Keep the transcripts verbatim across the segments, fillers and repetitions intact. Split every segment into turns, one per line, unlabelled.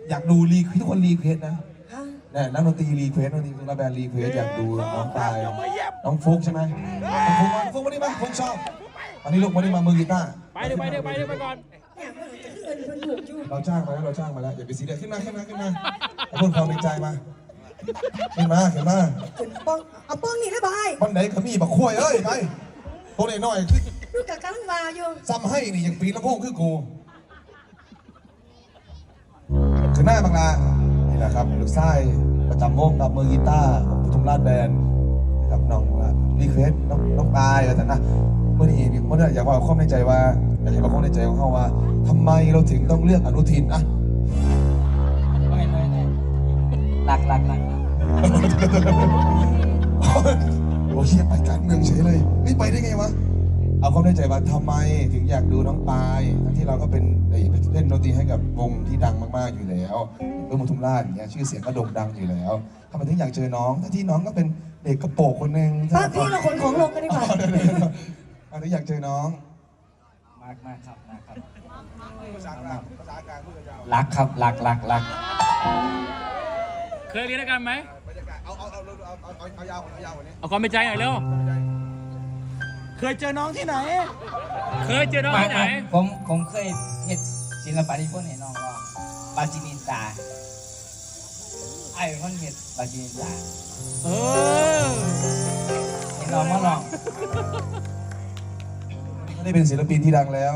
อยากดูรีทุกคนรีเควสนะเนี่ยนักดนตรีรีเควสนักดนตรีนักแบนด์รีเควสอยากดูน้องปายน้องฟุกใช่ไหมน้องฟุกฟุกมาดิมาฟุกชอบอันนี้ลูกมาดิมามือกีตาร์
ไปเดี๋ยวไปเดี๋ยวไปเดี๋ยวไปก่อน
เราจ้างมาแล้วเราจ้างมาแล้วอย่าไปซีเรียสขึ้นมาขึ้นมาขึ้นมาพูดความในใจมาขึ้นมาขึ้นมา
ขึ้นป้องเอาป้องนี่ได้บ่าย
วันไหนขมิ้นบักขั้วเอ้ยไปตัวไหนน้อย
ลูกกับกำลังวาอยู่
ซ้ำให้นี่ยังปีละโพงคือกูขึ้นหน้าบางลานี่แหละครับลูกไส้ประจำวงกับมือกีตาร์ของปทุมราชแบนด์กับน้องรีเควสน้องน้องปายอะไรนะเมื่อนี้เมื่อนี้อยากว่าข้อในใจว่าอยากให้เราข้อในใจของเขาว่าทำไมเราถึงต้องเลือกอนุทินอะ
หลักหลักหลัก
โอ้เฮียไปการเมืองเฉยเลยไม่ไปได้ไงวะเอาความในใจว่าทำไมถึงอยากดูน้องปายทั้งที่เราก็เป็นเล่นดนตรีให้กับวงที่ดังมากๆอยู่แล้วเพื่อปทุมราชอย่างเงี้ยชื่อเสียงก็โด่งดังอยู่แล้วทำไมถึงอยากเจอน้องทั้งที่น้องก็เป็นเด็กกระโปรงคนหนึ่ง
ป้าพี่เราขนของลงกันดีกว่า
ทำไมถึงอยากเจอน้อง
มากมากครับมากครับ
ภาษากลางภาษากลางพูดกันยาว
รักครับรักรักรัก
เคยเรียนด้วยกันไหม
เอาเอาเอาเอาเอาเอายาวเอายาวกว่านี้
เอาความเป็นใจหน่อยเร็ว
เคยเจอน้องที่ไหน
เคยเจอน้องที่ไหน
ผมผมเคยเห็นศิลปะที่พ่นเห็นน้องว่าบาจินินตาไอ้พ่นเห็นบาจินินตา
เออ
เห็นน้องมาลอง
ไม่ได้เป็นศิลปินที่ดังแล้ว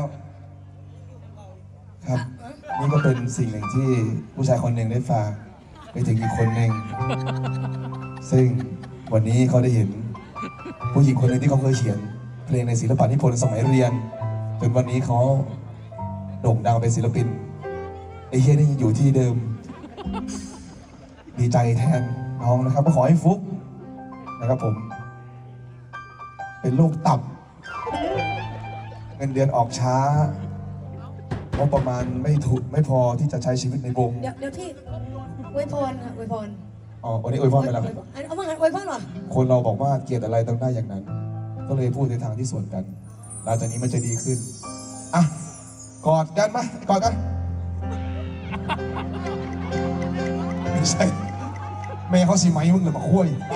ครับนี่ก็เป็นสิ่งหนึ่งที่ผู้ชายคนหนึ่งได้ฝากไปถึงอีกคนหนึ่งซึ่งวันนี้เขาได้เห็นผู้หญิงคนหนึ่งที่เขาเคยเขียนเพลงในศิลปะนิพนธ์สมัยเรียนจนวันนี้เขาโด่งดังเป็นศิลปินไอ้เฮียนี่อยู่ที่เดิมดีใจแทนน้องนะครับก็ขอให้ฟุกนะครับผมเป็นโรคตับเงินเดือนออกช้างบประมาณไม่ถูกไม่พอที่จะใช้ชีวิตในวง
เดี๋ยวเดี๋ยวที่อวยพรค่ะอวยพร
อ๋อวันนี้อวยพรไปแล้ว
เอาว่างั้นอวยพรหรอ
คนเราบอกว่าเกลียดอะไรต้องได้อย่างนั้นก็เลยพูดในทางที่สวนกันหลังจากนี้มันจะดีขึ้นอ่ะกอดกันมากอดกันไม่ใช่แม่เขาสีไหมมึงหรือมาคุยไป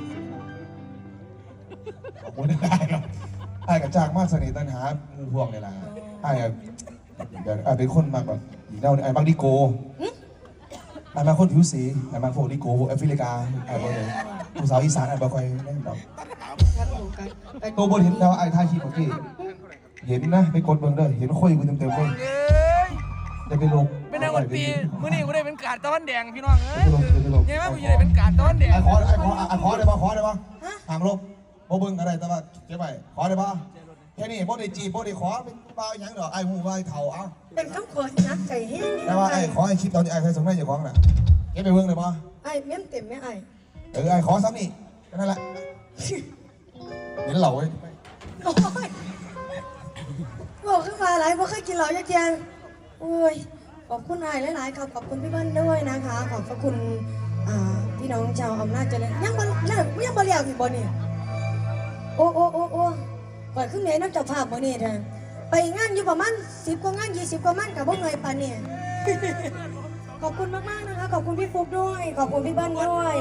บอกว่าได้ครับไอ้กับจากมาเสน่ห์ตันหางูพวงเลยล่ะไอ้เดี๋ยวไอ้เป็นคนมากแบบอีเน่าไอ้บางดิโกไอ้มาคนผิวสีไอ้มาพวกดิโกพวกแอฟริกาไอ้พวกผู้สาวอีสานไอ้บางคนนั่นแบบตัวบนเห็นแล้วไอ้ท่าขี้ของพี่เห็นนะไปกดเบิ้งเด้อเห็นคุยกูเต็มเต็มเลยจะไปลง
เป็นนางวันปีมื่อนี้กูได้เป็นกาดตอนแดงพี่น้องเอ้ยยังไงกูจะได้เป็นกาดตอนแดง
ไอ้ขอไอ้ขอไอ้ขอได้ปะขอได้ปะทางลบโบเบิ้งอะไรแต่ว่าเจ๊ไปขอได้ปะแค่นี้โบได้จีบโบได้ขอเป็นเปล่าอย่างเดียวไอ้หูไอ้เถ่าเอา
เป็นคำขอนักใจแห้ง
แต่ว่าไอ้ขอไอ้คลิปตอนนี้ไอ้เคยส่งให้อยู่ของน่ะเจ๊ไปเบิ้งเลยปะ
ไอ้เมี่ยมเต็มไหมไอ้
เออไอ้ขอซ้ำนี่นั่นแหละเห็นเหล่าไว้
โอ้ยบอกขึ้นมาหลายบอกเคยกินเหล่ายักษ์ยังโอ้ยขอบคุณไอ้หลายๆครับขอบคุณพี่เบิ้ลด้วยนะคะขอบพระคุณพี่น้องชาวอำนาจเจริญยังบ่เลิกยังบ่เลี้ยวอีกบ่เนี่ยโอ้โอ้โอ้โอ้ก่อนขึ้นเหนือนักจับภาพบ่เนี่ยเธอไปงานอยู่ประมาณสิบกว่างานยี่สิบกว่ามันกับพวกเงยปานเนี่ยขอบคุณมากๆนะคะขอบคุณพี่ฟุกด้วยขอบคุณพี่เบิ้ลด้วย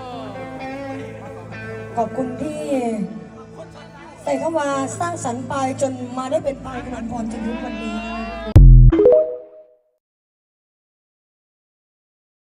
ขอบคุณที่ใส่เข้ามาสร้างสรรค์ปลายจนมาได้เป็นปลายกำลังพรจนถึงวันนี้